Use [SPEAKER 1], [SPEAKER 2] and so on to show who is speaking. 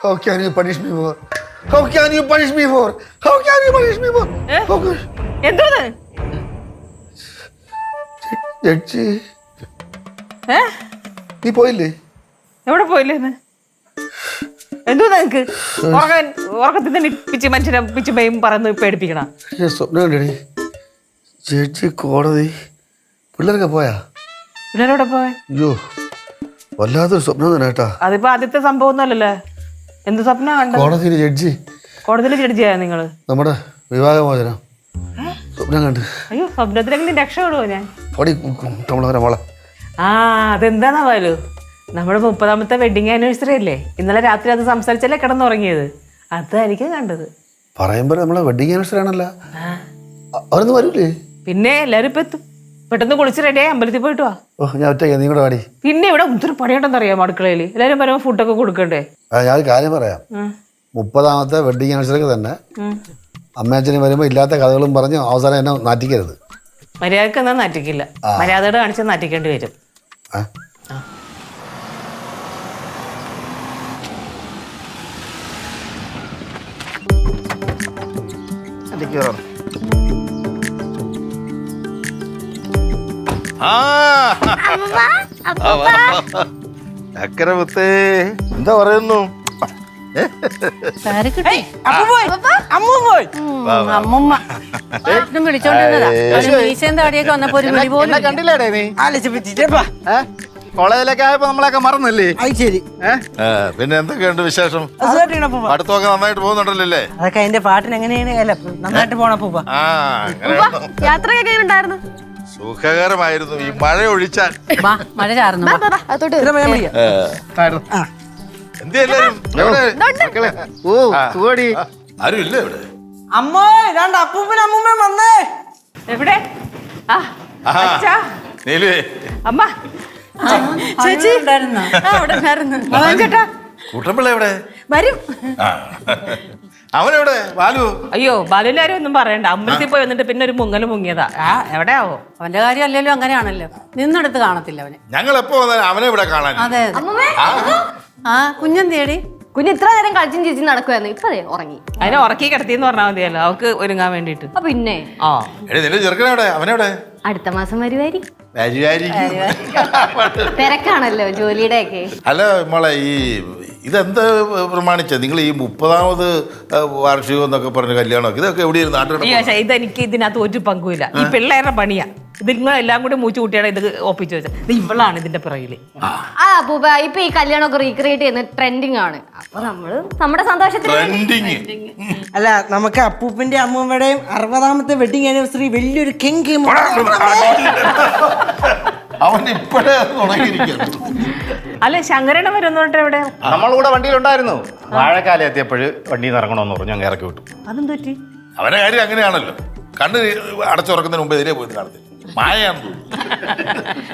[SPEAKER 1] How can you punish me for? How can you punish me for? How can you punish me for? How can...
[SPEAKER 2] എന്തോന്ന്
[SPEAKER 1] judge
[SPEAKER 2] ഏ
[SPEAKER 1] നീ പോയില്ലേ?
[SPEAKER 2] എവിടെ പോയില്ലേന്ന് എന്തോ നിനക്ക് ഉറക്കത്തിൽ തന്നെ പിച്ച് മനുഷ്യനെ പിച്ച് പയും പറന്ന് പേടിപ്പിക്കണ
[SPEAKER 1] ഞാൻ സ്വപ്നം കണ്ടടി. ജഡ്ജി കോടതി പിള്ളേരൊക്കെ പോയാ?
[SPEAKER 2] പിള്ളേരോടെ പോയ
[SPEAKER 1] അയ്യോ വല്ലാത്തൊരു സ്വപ്നം തന്നെ കേട്ടാ.
[SPEAKER 2] അതിപ്പോ ആദ്യത്തെ സംഭവം ഒന്നുമല്ലല്ലേ. എന്ത് സ്വപ്നം കണ്ടത്?
[SPEAKER 1] കോടതിയിൽ ജഡ്ജി
[SPEAKER 2] കോടതിയിൽ ജഡ്ജിയാ നിങ്ങള്?
[SPEAKER 1] നമ്മുടെ വിവാഹമോചനം സ്വപ്നം കണ്ട്.
[SPEAKER 2] അയ്യോ സ്വപ്നത്തിലെങ്കിലും രക്ഷപ്പെടുവോ ഞാൻ?
[SPEAKER 1] ഓടി നമ്മളവരെ മോളെ.
[SPEAKER 2] ആ അതെന്താണാവാലോ, നമ്മുടെ 30ാമത്തെ വെഡിങ് ആനിവേഴ്സറി അല്ലേ. ഇന്നലെ രാത്രി അത് സംസാരിച്ചല്ലേ കിടന്നുറങ്ങിയത്. അതായിരിക്കും കണ്ടത്.
[SPEAKER 1] പറയുമ്പോ നമ്മളെ വെഡിങ് ആനിവേഴ്സറി ആണല്ലോ. അവരൊന്നും വരൂലേ?
[SPEAKER 2] പിന്നെ എല്ലാരും ഇപ്പൊ എത്തും. പെട്ടെന്ന് കുളിച്ച് റെഡിയായി അമ്പലത്തിൽ പോയിട്ട് വാ.
[SPEAKER 1] ഓ ഞാൻ ഒറ്റയ്ക്ക്, നീ കൂടെ പാടി.
[SPEAKER 2] പിന്നെ ഇവിടെ ഒത്തിരി പണിയുണ്ടെന്ന് അറിയാം അടുക്കളയിൽ. എല്ലാരും പറയുമ്പോൾ ഫുഡൊക്കെ കൊടുക്കണ്ടേ?
[SPEAKER 1] ഞാൻ കാര്യം പറയാം. 30ാമത്തെ വെഡിങ് ആനിവേഴ്സറിക്ക് തന്നെ അമ്മയച്ഛനും വരുമ്പോ ഇല്ലാത്ത കഥകളും പറഞ്ഞ് അവസാനം എന്നെ നാറ്റിക്കരുത്.
[SPEAKER 2] മര്യാദക്ക് എന്നാ നാറ്റിക്കില്ല. മര്യാദയോട് കാണിച്ചാൽ നാറ്റിക്കേണ്ടി വരും.
[SPEAKER 3] ചക്കരമുത്തേ എന്താ പറയുന്നു?
[SPEAKER 4] കണ്ടില്ലേടേ നീ? കോളേജിലൊക്കെ ആയപ്പോ നമ്മളൊക്കെ മറന്നല്ലേ?
[SPEAKER 3] ശരി. പിന്നെ എന്തൊക്കെയുണ്ട് വിശേഷം? അടുത്തൊക്കെ നന്നായിട്ട് പോകുന്നുണ്ടല്ലേ?
[SPEAKER 5] അതൊക്കെ അതിന്റെ പാട്ടിന് എങ്ങനെയാണ് നന്നായിട്ട് പോണപ്പൂപ്പ.
[SPEAKER 6] യാത്രയൊക്കെ ഉണ്ടായിരുന്നു?
[SPEAKER 3] സുഖകരമായിരുന്നു. ഈ മഴ ഒഴിച്ചാൽ.
[SPEAKER 5] മഴ ചാർന്നു.
[SPEAKER 3] എന്ത് എല്ലാരും
[SPEAKER 4] ഓ സുഖടി.
[SPEAKER 3] ആരും ഇല്ല ഇവിടെ?
[SPEAKER 5] അമ്മോ രണ്ട് അപ്പൂപ്പനും അമ്മൂമ്മയും വന്നേ.
[SPEAKER 2] എവിടെ? ആ അച്ഛാ.
[SPEAKER 3] നീലുവേ
[SPEAKER 2] അമ്മ ചേച്ചി ചേട്ടാ
[SPEAKER 3] കൂട്ടമ്പിള്ള എവിടെ?
[SPEAKER 2] വരും.
[SPEAKER 3] അവനെവിടെ ബാലു?
[SPEAKER 2] അയ്യോ ബാലുലാരും ഒന്നും പറയണ്ട. അമ്പലത്തിൽ പോയി വന്നിട്ട് പിന്നെ ഒരു മുങ്ങല് മുങ്ങിയതാ. എവിടെയാവോ?
[SPEAKER 5] അവന്റെ കാര്യം അല്ലല്ലോ അങ്ങനെയാണല്ലോ. നിന്നെടുത്ത് കാണത്തില്ല അവനെ.
[SPEAKER 3] ഞങ്ങൾ എപ്പോ വന്നാലും അവനെ ഇവിടെ കാണാൻ.
[SPEAKER 5] അതെ ആ കുഞ്ഞെന്തേടി?
[SPEAKER 6] കുഞ്ഞ് ഇത്ര നേരം കളിച്ചും ചിരിച്ചും നടക്കുവായിരുന്നു. ഇപ്പൊ ഉറങ്ങി.
[SPEAKER 2] അതിനെ ഉറക്കി കിടത്തിന്ന് പറഞ്ഞാൽ മതിയല്ലോ അവക്ക് ഒരുങ്ങാൻ വേണ്ടിട്ട്.
[SPEAKER 6] പിന്നെ
[SPEAKER 3] ആ നിന്റെ ചെറുക്കനെവിടെ? അവനെവിടെ?
[SPEAKER 6] അടുത്ത മാസം വരുമായിരിക്കും.
[SPEAKER 3] തിരക്കാണല്ലോ
[SPEAKER 6] ജോലിയുടെ ഒക്കെ.
[SPEAKER 3] അല്ല മോളെ, ഈ ഇതെന്ത് പ്രമാണിച്ച നിങ്ങൾ ഈ 30ാമത് വാർഷികം എന്നൊക്കെ പറഞ്ഞ കല്യാണം ഇതൊക്കെ എവിടെയായിരുന്നു? നാട്ടിൽ
[SPEAKER 2] ഇതെനിക്ക് ഇതിനകത്ത് ഒരു പങ്കുമില്ല. ഈ പിള്ളേരുടെ പണിയാ. ഇത് നിങ്ങളെല്ലാം കൂടി മൂച്ചു കൂട്ടിയാണ് ഇത് ഒപ്പിച്ചു വെച്ചത്. ഇത് ഇവളാണ് ഇതിന്റെ പിറകില്.
[SPEAKER 6] പൂപ്പ ഇപ്പൊ ഈ കല്യാണമൊക്കെ റീക്രിയേറ്റ് ചെയ്യുന്ന ട്രെൻഡിങ് ആണ്. അപ്പൊ നമ്മള് നമ്മുടെ സന്തോഷത്തിന്
[SPEAKER 5] അല്ല നമുക്ക് അപ്പൂപ്പന്റെ അമ്മൂമ്മയുടെയും 60ാമത്തെ വെഡിങ് ആനിവേഴ്സറി വലിയൊരു കെങ്കി.
[SPEAKER 3] അവൻ ഇപ്പോഴേ തുടങ്ങിയിരിക്കുന്നു.
[SPEAKER 2] അല്ല ശങ്കരനെ വരുന്നോട്ടെ എവിടെ?
[SPEAKER 4] നമ്മളിവിടെ വണ്ടിയിലുണ്ടായിരുന്നു. വാഴക്കാലം എത്തിയപ്പോഴ് വണ്ടിയിൽ ഇറങ്ങണമെന്ന് പറഞ്ഞു ഞങ്ങൾ ഇറക്കി വിട്ടു.
[SPEAKER 2] അതും തെറ്റി.
[SPEAKER 3] അവന്റെ കാര്യം അങ്ങനെയാണല്ലോ. കണ്ണ് അടച്ചുറക്കുന്നതിന് മുമ്പ് ഇതിനെ പോയി കാണത്തില്ല. മായയാന്ന് തോന്നുന്നു.